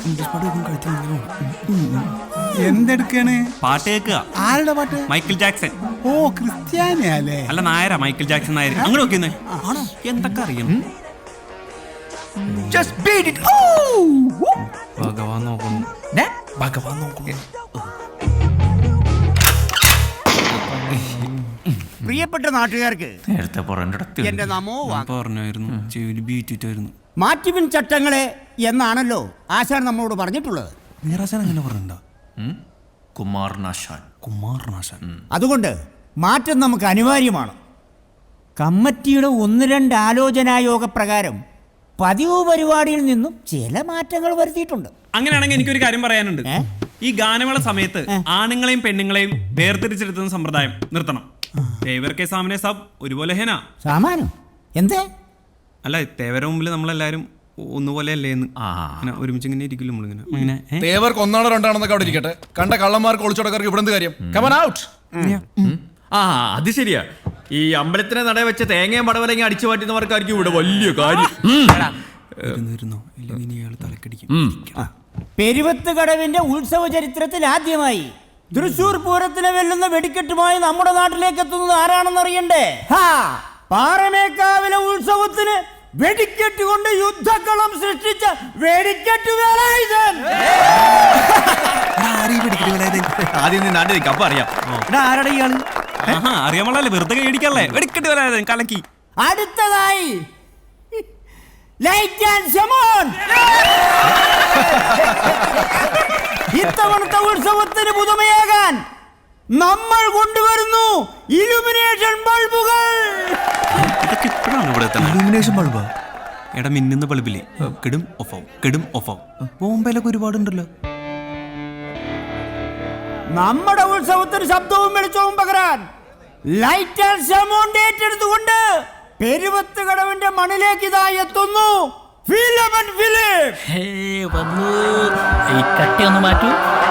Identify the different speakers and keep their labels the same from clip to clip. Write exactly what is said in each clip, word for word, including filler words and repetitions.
Speaker 1: എന്തെടുക്കാണ്?
Speaker 2: പാട്ട് കേൾക്കുക.
Speaker 1: ആരുടെ പാട്ട്?
Speaker 2: Michael Jackson.
Speaker 1: ഓ, ക്രിസ്ത്യാനിയല്ലേ?
Speaker 2: അല്ല, നായരാ. Michael Jackson Nair. അങ്ങനെ നോക്കിയെന്നേ. ആണോ? എന്തൊക്കെ അറിയണം. ഭഗവാൻ നോക്കുന്നു. ഭഗവാൻ നോക്കുന്നു.
Speaker 3: പ്രിയപ്പെട്ട നാട്ടുകാർക്ക്
Speaker 2: നേരത്തെ
Speaker 3: എന്റെ നമോ
Speaker 2: പറഞ്ഞായിരുന്നു. ചെവിയിൽ ബീറ്റിട്ടായിരുന്നു.
Speaker 3: മാറ്റിപ്പിൻ ചട്ടങ്ങളെ എന്നാണല്ലോ ആശാൻ നമ്മളോട് പറഞ്ഞിട്ടുള്ളത്.
Speaker 2: നീറാശാൻ അങ്ങനെ പറഞ്ഞിട്ടുണ്ടോ? കുമാരനാശാൻ. കുമാരനാശാൻ.
Speaker 3: അതുകൊണ്ട് മാറ്റം നമുക്ക് അനിവാര്യമാണ്. കമ്മിറ്റിയുടെ ഒന്ന് രണ്ട് ആലോചനായോഗ പ്രകാരം പതിവ് പരിപാടിയിൽ നിന്നും ചില മാറ്റങ്ങൾ വരുത്തിയിട്ടുണ്ട്.
Speaker 2: അങ്ങനെയാണെങ്കിൽ എനിക്കൊരു കാര്യം പറയാനുണ്ട്. ഈ ഗാനമേള സമയത്ത് ആണുങ്ങളെയും പെണ്ണുങ്ങളെയും വേർതിരിച്ചെടുത്തുന്ന സമ്പ്രദായം നിർത്തണം. തേവർ കെ സാമനെ സാബ് ഒരുപോലെ ഹേന.
Speaker 3: സാമാനം എന്തേ?
Speaker 2: അല്ല, തേവര മുമ്പിൽ നമ്മളെല്ലാരും ഒന്നുപോലെ അല്ലേ എന്ന് ഒരുമിച്ച് ഇങ്ങനെ ഇരിക്കില്ല നമ്മളിങ്ങനെ.
Speaker 4: തേവർക്ക് ഒന്നാണോ രണ്ടാണെന്നൊക്കെ അവിടെ ഇരിക്കട്ടെ. കണ്ട കള്ളന്മാർക്ക് ഒളിച്ചോടക്കാർക്ക് ഇവിടെ എന്ത് കാര്യം? Come on out.
Speaker 5: ആ, അത് ശരിയാ. ഈ അമ്പലത്തിനെ നട വെച്ച തേങ്ങയും പടവലങ്ങി അടിച്ചു മാറ്റുന്നവർക്കായിരിക്കും ഇവിടെ വലിയ കാര്യം.
Speaker 3: പെരുവത്ത് കടവിന്റെ ഉത്സവ ചരിത്രത്തിൽ ആദ്യമായി തൃശൂർ പൂരത്തിനെ വെല്ലുന്ന വെടിക്കെട്ടുമായി നമ്മുടെ നാട്ടിലേക്ക് എത്തുന്നത് ആരാണെന്ന് അറിയണ്ടേ? പാറമേക്കാവിലെ ഉത്സവത്തിന് വെടിക്കെട്ട് കൊണ്ട് യുദ്ധക്കളം സൃഷ്ടിച്ച വെടിക്കെട്ട് വേലായുധൻ.
Speaker 5: ആദ്യം നീ നാട്ടിൽ നിൽക്കാം, അപ്പൊ അറിയാം.
Speaker 2: ആരാടാ ഇയാള്? അറിയാമല്ലേ, വെറുതെ കൈയടിക്കല്ലേ. വെടിക്കെട്ട് വേലായുധൻ കലക്കി.
Speaker 3: അടുത്തതായി ലൈറ്റ് ആൻഡ് ഷമോൺ. ഇത്തവണത്തെ ഉത്സവത്തിന് പുതുമയാകാൻ നമ്മൾ കൊണ്ടുവരുന്നു ഇലുമിനേഷൻ ബൾബുകൾ.
Speaker 2: ഇലുമിനേഷൻ ബൾബാ? എടാ, മിന്നുന്ന ബൾബില്ലേ, കെടും ഓഫാവും, കെടും ഓഫാവും. ബോംബെയിലൊക്കെ ഒരുപാടുണ്ടല്ലോ.
Speaker 3: നമ്മുടെ ഉത്സവത്തിന് ശബ്ദവും വെളിച്ചവും പകരാൻ ലൈറ്റ് ആൻഡ് ഷമോൺ ഏറ്റെടുത്തുകൊണ്ട് പെരുവത്ത് കടവിന്റെ മണ്ണിലേക്ക് ഇതായി എത്തുന്നു ഫിലമൻ ഫിലിപ്പ്.
Speaker 6: വന്നു. ഈ കട്ടി ഒന്ന് മാറ്റൂ.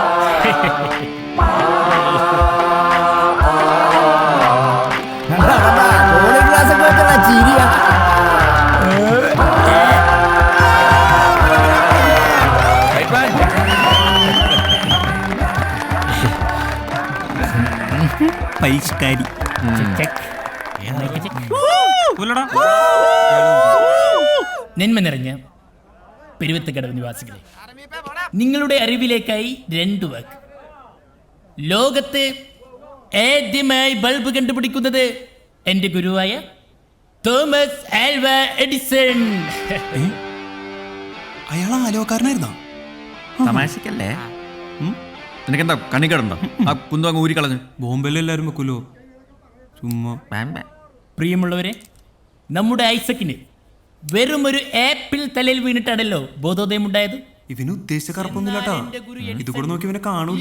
Speaker 2: പരിഷ്കാരി.
Speaker 6: നന്മ നിറഞ്ഞ പെരുവത്ത് കടവ് നിവാസികളെ, നിങ്ങളുടെ അറിവിലേക്കായി രണ്ടു വാക്ക്. ലോകത്ത് ആദ്യമായി ബൾബ് കണ്ടുപിടിക്കുന്നത് എന്റെ ഗുരുവായ തോമസ് ആൽവ എഡിസൺ.
Speaker 2: അയാൾ ആലോകാരനായിരുന്നോ?
Speaker 5: തമാശക്കല്ലേ? നിനക്കെന്താ കണിക്കടുണ്ടോ? ആ കുന്തു അങ്ങ് ഊരിക്കളഞ്ഞു.
Speaker 2: ബോംബെയിലെല്ലാരും വെക്കൂലോ ചുമ്മാ.
Speaker 6: പ്രിയമുള്ളവരെ, നമ്മുടെ ഐസക്കിന് വെറും ഒരു ആപ്പിൾ തലയിൽ വീണിട്ടാണല്ലോ ബോധോദയം ഉണ്ടായത്.
Speaker 2: ഇവന് ഉദ്ദേശിച്ച കറുപ്പൊന്നുമില്ലാട്ടോ. ഇത് കൂടെ നോക്കി ഇവനെ കാണൂല.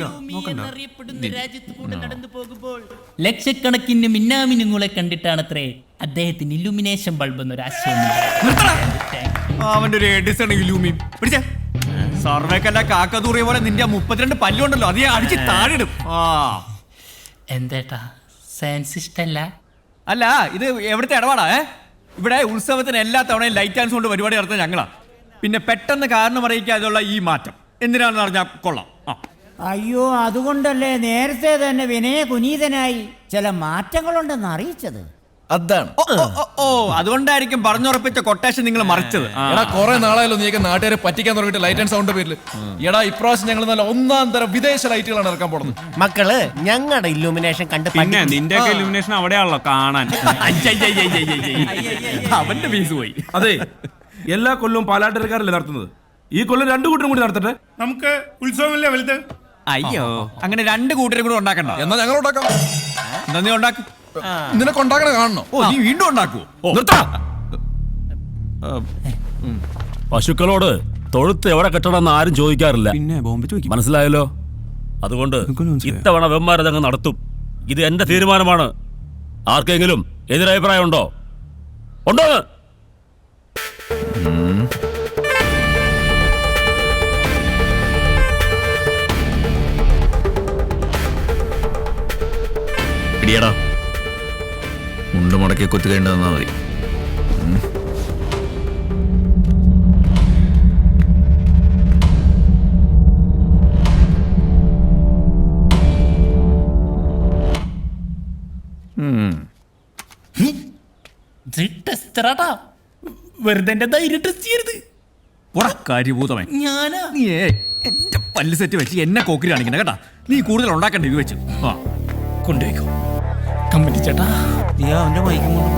Speaker 6: നടന്നു പോകുമ്പോൾ ലക്ഷക്കണക്കിന് മിന്നാമിനുങ്ങളെ കണ്ടിട്ടാണത്രേ അദ്ദേഹത്തിന് ഇലുമിനേഷൻ ബൾബ് എന്നൊരു ആശയം.
Speaker 5: അവന്റെ ഒരു എഡിസൺ ഇലൂമി പിടിച്ച സർവേക്കല്ല കാക്കതൂറിയ പോലെ നിന്റെ മുപ്പത്തിരണ്ട് പല്ലുണ്ടല്ലോ, അത് അടിച്ച് താഴിടും. ആ
Speaker 6: എന്തേട്ടാ, സയൻസ് ഇഷ്ടല്ല?
Speaker 5: അല്ല, ഇത് എവിടുത്തെ ഇടപാടാ? ഇവിടെ ഉത്സവത്തിന് എല്ലാ തവണയും ലൈറ്റ് ആൻഡ് സൗണ്ട് പരിപാടി നടത്തുന്നത് ഞങ്ങളാ. പിന്നെ പെട്ടെന്ന് കാരണം അറിയിക്കാതെയുള്ള ഈ മാറ്റം എന്തിനാണെന്ന് അറിഞ്ഞാൽ കൊള്ളാം.
Speaker 3: അയ്യോ, അതുകൊണ്ടല്ലേ നേരത്തെ തന്നെ വിനയ കുനീതനായി ചില മാറ്റങ്ങളുണ്ടെന്ന് അറിയിച്ചത്.
Speaker 4: അതാണ്.
Speaker 5: ഓ, അതുകൊണ്ടായിരിക്കും പറഞ്ഞുറപ്പിച്ച കൊട്ടേഷൻ നിങ്ങൾ മറിച്ചത്.
Speaker 4: എടാ, കുറെ നാളായാലും നീക്ക് നാട്ടുകാരെ പറ്റിക്കാൻ തുടങ്ങിയിട്ട് ലൈറ്റ് ആൻഡ് സൗണ്ട് പേരിൽ. എടാ, ഇപ്രാവശ്യം ഞങ്ങൾ നല്ല ഒന്നാം തരം വിദേശ ലൈറ്റുകളാണ് ഇറക്കാൻ പോകുന്നത്.
Speaker 7: മക്കള് ഞങ്ങളുടെ ഇല്ലുമിനേഷൻ കണ്ട്
Speaker 2: പിന്നെ നിന്റെ ഇലുമിനേഷൻ അവിടെയാണല്ലോ കാണാൻ.
Speaker 5: അവന്റെ ഫീസ് പോയി.
Speaker 8: അതെ, എല്ലാ കൊല്ലവും പാലാട്ടരക്കാരല്ലേ നടത്തുന്നത്. ഈ കൊല്ലം രണ്ടു കൂട്ടരും കൂടി നടത്തട്ടെ. നമുക്ക് ഉത്സവമല്ലേ വലുത്.
Speaker 5: അയ്യോ, അങ്ങനെ രണ്ട് കൂട്ടരും കൂടെ ഉണ്ടാക്കണ്ട.
Speaker 4: എന്നാ ഞങ്ങൾ ഉണ്ടാക്കാം.
Speaker 5: എന്നാ നീ ഉണ്ടാക്കും.
Speaker 4: നിനക്ക് ഉണ്ടാക്കണ കാണണോ?
Speaker 5: ഓ, നീ വീണ്ടും ഉണ്ടാക്കുവോ?
Speaker 9: പശുക്കളോട് തൊഴുത്ത് എവിടെ കെട്ടണമെന്ന് ആരും ചോദിക്കാറില്ല.
Speaker 2: പിന്നെ ബോംബെ ചോദിക്കും.
Speaker 9: മനസ്സിലായല്ലോ? അതുകൊണ്ട് ഇത്തവണ വെമ്മാരതങ്ങ് നടത്തും. ഇത് എന്റെ തീരുമാനമാണ്. ആർക്കെങ്കിലും എതിരഭിപ്രായം ഉണ്ടോ? ഉണ്ടോ?
Speaker 5: ഇടിയടാ, മുണ്ട് മുടക്കി കുത്തുകേണ്ടതെന്നാ മതി.
Speaker 6: ചെറാട്ടാ വെറുതെ എന്റെ ധൈര്യം ടെസ്റ്റ് ചെയ്യരുത്.
Speaker 5: പോടാ കാര്യഭൂതമേ.
Speaker 6: ഞാനാ
Speaker 5: നീ എന്റെ പല്ല് സെറ്റ് വെച്ച് എന്നെ കോക്കിരി കാണിക്കണ കേട്ടാ. നീ കൂടുതൽ ഉണ്ടാക്കണ്ട ഇത് വെച്ച്. ആ
Speaker 6: കൊണ്ടുപോയിക്കോ കമ്പനി ചേട്ടാ.
Speaker 3: നീ അവന്റെ മൈക്കും കൊണ്ട്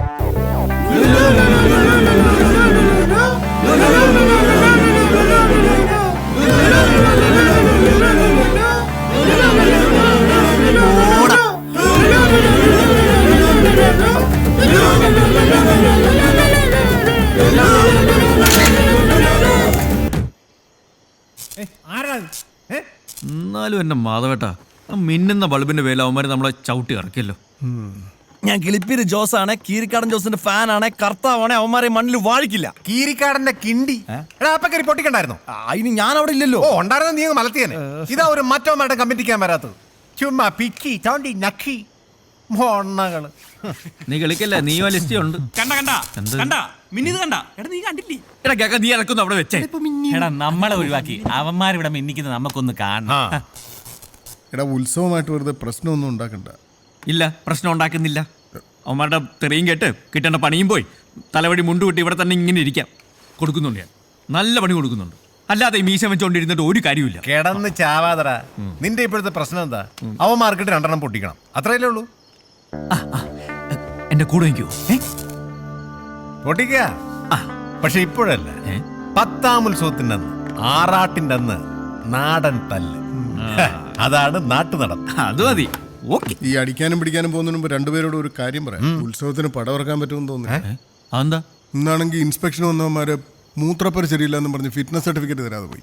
Speaker 5: എന്നാലും എന്നെ മാധവേട്ടാ, ആ മിന്നുന്ന ബൾബിന്റെ പേരിൽ അവന്മാര് നമ്മളെ ചവിട്ടി ഇറക്കിയല്ലോ.
Speaker 4: ഞാൻ കിളിപ്പീര് ജോസ് ആണ്, കീരിക്കാടൻ ജോസിന്റെ ഫാൻ ആണ്, കർത്താവാണ്, അവന്മാരെ മണ്ണിൽ വാഴിക്കില്ല.
Speaker 7: കീരിക്കാടന്റെ കിണ്ടി എടാ അപ്പൊ കയറി പൊട്ടിക്കണ്ടായിരുന്നോ?
Speaker 4: അതിന് ഞാൻ അവിടെ ഇല്ലല്ലോ.
Speaker 7: ഓ ഉണ്ടായിരുന്ന നീ മലത്തിയനെ. ഇതാ ഒരു മറ്റവന്മാരുടെ കമ്മിറ്റിക്കാൻ വരാത്തത്. ചുമ്മാ പിക്കി തോണ്ടി നക്കി മൊണ്ണകള്.
Speaker 5: നീ കളിക്കല്ലേ, നീയോ ലിസ്റ്റ് ഉണ്ട്.
Speaker 2: കണ്ട കണ്ട കണ്ട മിന്നിത് കണ്ട. എടാ നീ കണ്ടില്ലേ?
Speaker 5: എടാ കേക്ക, നീ ഇറക്കുന്നു അവിടെ വെച്ചേ.
Speaker 10: എടാ നമ്മളെ ഒഴിവാക്കി അവന്മാരിവിടെ മിന്നിക്കുന്നത് നമുക്കൊന്ന് കാണണം.
Speaker 1: എടാ ഉത്സവമായിട്ട് വെറുതെ പ്രശ്നമൊന്നും ഉണ്ടാക്കണ്ട.
Speaker 5: ഇല്ല, പ്രശ്നം ഉണ്ടാക്കുന്നില്ല. അവന്മാരുടെ തെറിയും കേട്ട് കിട്ടേണ്ട പണിയും പോയി തലവടി മുണ്ട് കിട്ടി ഇവിടെ തന്നെ ഇങ്ങനെ ഇരിക്കാം. കൊടുക്കുന്നുണ്ട് ഞാൻ, നല്ല പണി കൊടുക്കുന്നുണ്ട്. അല്ലാതെ ഈ മീശ വെച്ചോണ്ടിരുന്നിട്ട് ഒരു കാര്യമില്ല.
Speaker 7: കിടന്ന് ചാവാതറ. നിന്റെ ഇപ്പോഴത്തെ പ്രശ്നം എന്താ? അവൻ മാർക്കറ്റ് രണ്ടെണ്ണം പൊട്ടിക്കണം, അത്രയല്ലേ ഉള്ളൂ.
Speaker 5: എന്റെ കൂടെ നിൽക്കൂ.
Speaker 7: പൊട്ടിക്ക. പക്ഷെ ഇപ്പോഴല്ല, പത്താം ഉത്സവത്തിന്റെ അന്ന്, ആറാട്ടിന്റെ അന്ന് നാടൻ തല്ല്. അതാണ് നാട്ടു നടപ്പ്.
Speaker 5: അത് മതി. ഓക്കെ.
Speaker 1: ഈ അടിക്കാനും പിടിക്കാനും പോകുന്നതിന് മുമ്പ് രണ്ടുപേരോട് ഒരു കാര്യം പറയാം. ഉത്സവത്തിന് പടവറക്കാൻ പറ്റുമെന്ന് തോന്നുന്നു.
Speaker 5: അതെന്താ?
Speaker 1: ഇന്നാണെങ്കിൽ ഇൻസ്പെക്ഷൻ വന്നവന്മാര് മൂത്രപ്പര ശരിയില്ലെന്ന് പറഞ്ഞ് ഫിറ്റ്നസ് സർട്ടിഫിക്കറ്റ് തരാതെ പോയി.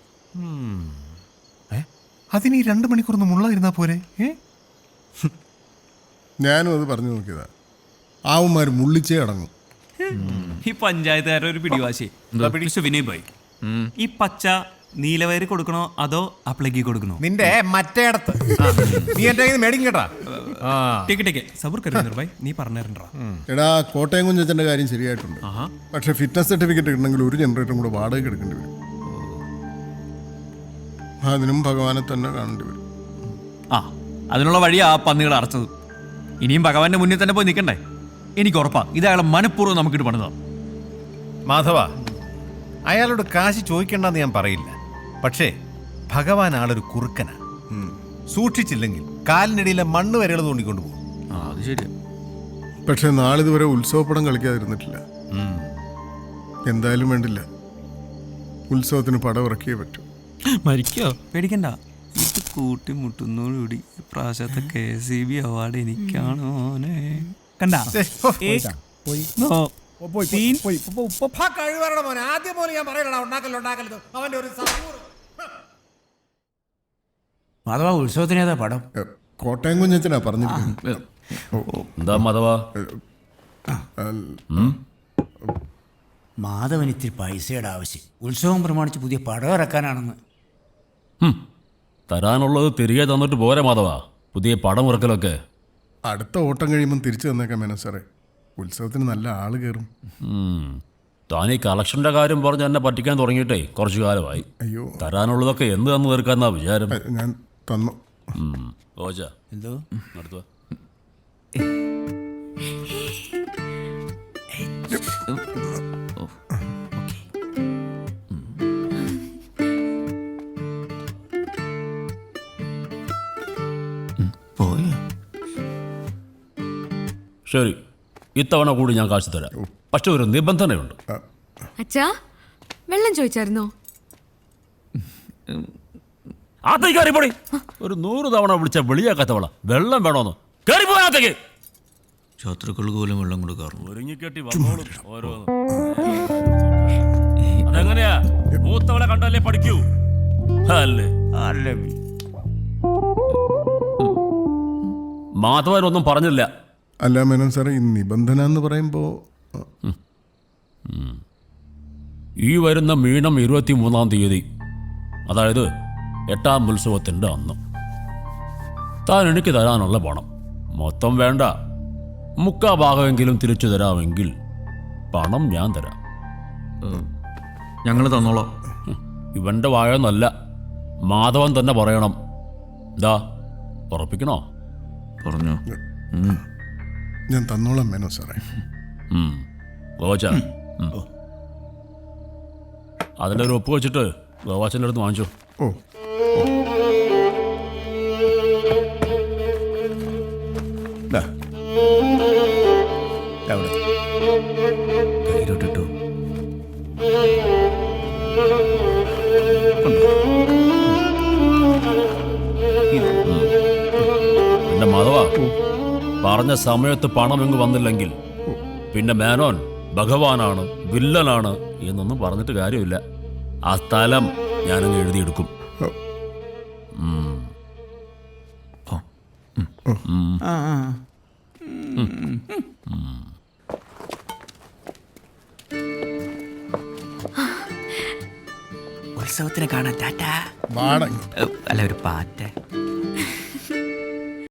Speaker 7: അതിന് ഈ രണ്ടു മണിക്കൂർ മുള്ളായിരുന്നാ പോരെ?
Speaker 1: ഞാനും അത് പറഞ്ഞു നോക്കിയതാ. ആവന്മാർ മുള്ളിച്ചേ അടങ്ങും.
Speaker 2: ഈ പഞ്ചായത്തുകാരുടെ ഒരു പിടിവാശി. വിനയ് ഭായി, ഈ പച്ച നീലവയറ് കൊടുക്കണോ അതോ അപ്ലൈക്ക് കൊടുക്കണോ?
Speaker 7: നിന്റെ മറ്റേടത്ത് നീ എന്റെ കയ്യിൽ മേടിക്കും കേട്ടാ.
Speaker 2: ടിക്ക് ടിക്ക് സബൂർ കരുന്നർ ഭായി, നീ പറഞ്ഞിട്ടുണ്ടോ?
Speaker 1: എടാ കോട്ടയം കുഞ്ഞച്ചന്റെ കാര്യം ശരിയായിട്ടുണ്ട്. പക്ഷെ ഫിറ്റ്നസ് സർട്ടിഫിക്കറ്റ് കിട്ടണമെങ്കിൽ ഒരു ജനറേറ്ററും കൂടെ വാടക എടുക്കേണ്ടി വരും. അതിനും ഭഗവാനെ തന്നെ കാണേണ്ടി വരും.
Speaker 5: ആ അതിനുള്ള വഴിയാ ആ പന്നികൾ അടച്ചത്. ഇനിയും ഭഗവാന്റെ മുന്നിൽ തന്നെ പോയി നിൽക്കണ്ടേ? എനിക്ക് ഉറപ്പാ ഇത് അയാളെ മനഃപൂർവ്വം നമുക്കിട്ട് പണിതാ.
Speaker 7: മാധവ, അയാളോട് കാശ് ചോദിക്കണ്ടെന്ന് ഞാൻ പറയില്ല. പക്ഷേ ഭഗവാൻ ആളൊരു കുറുക്കനാ. സൂക്ഷിച്ചില്ലെങ്കിൽ കാലിനിടയിലെ മണ്ണ് വരെകൾ തോണ്ടിക്കൊണ്ടു പോകും.
Speaker 5: അത് ശരിയാ.
Speaker 1: പക്ഷെ നാളിതുവരെ ഉത്സവപ്പടം കളിക്കാതിരുന്നിട്ടില്ല. എന്തായാലും വേണ്ടില്ല, ഉത്സവത്തിന് പടം ഇറക്കിയേ പറ്റൂ.
Speaker 2: മരിക്കോ? പേടിക്കണ്ട, ഇത് കൂട്ടിമുട്ടുന്നോടുകൂടി പ്രാവശ്യത്തെ കെ സി ബി അവാർഡ് എനിക്കാണോ? കണ്ട
Speaker 7: ആദ്യം പോലെ ഞാൻ പറയണ ഉണ്ടാക്കല്ലോ ഉണ്ടാക്കല്ലോ അവന്റെ ഒരു
Speaker 3: മാധവ ഉത്സവത്തിന് ഏതാ പടം?
Speaker 1: കോട്ടയം കുഞ്ഞച്ചനാ പറഞ്ഞിരിക്കുന്നത്.
Speaker 9: എന്താ മാധവാ?
Speaker 3: മാധവൻ ഇത്തിരി പൈസയുടെ ആവശ്യം. ഉത്സവം പ്രമാണിച്ച് പുതിയ പടം ഇറക്കാനാണെന്ന്.
Speaker 9: തരാനുള്ളത് തിരികെ തന്നിട്ട് പോരെ മാധവാ, പുതിയ പടം ഇറക്കലൊക്കെ.
Speaker 1: അടുത്ത ഓട്ടം കഴിയുമ്പം തിരിച്ചു തന്നേക്കാം മേനോ സാറേ. ഉത്സവത്തിന് നല്ല ആള് കയറും.
Speaker 9: താൻ ഈ കളക്ഷന്റെ കാര്യം പറഞ്ഞ് എന്നെ പറ്റിക്കാൻ തുടങ്ങിയിട്ടേ കുറച്ചു കാലമായി.
Speaker 1: അയ്യോ,
Speaker 9: തരാനുള്ളതൊക്കെ എന്ത് തന്നു തീർക്കാന്നാ വിചാരം?
Speaker 1: ഞാൻ തന്നു.
Speaker 9: ഓജ
Speaker 3: എന്തോ
Speaker 9: നടത്തുക. ശരി, ഇത്തവണ കൂടി ഞാൻ കാശ് തരാം. പക്ഷെ ഒരു നിബന്ധനയുണ്ട്.
Speaker 11: അച്ഛാ, വെള്ളം ചോദിച്ചായിരുന്നോ?
Speaker 9: ആത്തേക്ക് കയറിപ്പോടി. ഒരു നൂറ് തവണ വിളിച്ച വെളിയാക്കാത്തവള വെള്ളം വേണോന്ന് കയറിപ്പോയാത്തേക്ക്.
Speaker 5: ശത്രുക്കൾക്ക് പോലും വെള്ളം കൊടുക്കാറുണ്ട്.
Speaker 9: ഒരുങ്ങിക്കെട്ടി വന്നോളും ഓരോന്ന്. അതെങ്ങനെയാ? മൂത്തവളെ കണ്ടല്ലേ പഠിക്കൂ അല്ലേ? മാധവനൊന്നും പറഞ്ഞില്ല.
Speaker 1: അല്ല മേനോൻ സാറേ, ഈ നിബന്ധന എന്ന് പറയുമ്പോൾ
Speaker 9: ഈ വരുന്ന മീനം ഇരുപത്തി മൂന്നാം തീയതി, അതായത് എട്ടാം ഉത്സവത്തിൻ്റെ അന്ന് താൻ എനിക്ക് തരാനുള്ള പണം മൊത്തം വേണ്ട, മുക്കാ ഭാഗമെങ്കിലും തിരിച്ചു തരാമെങ്കിൽ പണം ഞാൻ തരാം.
Speaker 5: ഞങ്ങൾ തന്നോളാം.
Speaker 9: ഇവൻ്റെ വായൊന്നല്ല, മാധവൻ തന്നെ പറയണം. ഇതാ ഉറപ്പിക്കണോ?
Speaker 5: പറഞ്ഞു.
Speaker 1: ഞാൻ തന്നോളാം മേനോ സാറേ.
Speaker 9: ഗോവാച്ച അതിൻ്റെ ഒരു ഒപ്പ് വെച്ചിട്ട് ഗോവാച്ചൻ്റെ അടുത്ത് വാങ്ങിച്ചോ.
Speaker 1: ഓ
Speaker 3: ദാ. അവിടെ കയ്യിലോട്ടിട്ടു.
Speaker 9: പിന്നെ മാധവ പറഞ്ഞ സമയത്ത് പണം ഇങ്ങ് വന്നില്ലെങ്കിൽ പിന്നെ മേനോൻ ഭഗവാനാണ് വില്ലനാണ് എന്നൊന്നും പറഞ്ഞിട്ട് കാര്യമില്ല. ആ സ്ഥലം ഞാനങ്ങ് എഴുതിയെടുക്കും. ഉം. ഉം.
Speaker 3: ആ ആ.
Speaker 5: ഉത്സവത്തിന് കാണാൻ ടാറ്റ.
Speaker 1: വാട
Speaker 5: അല്ല ഒരു പാറ്റ.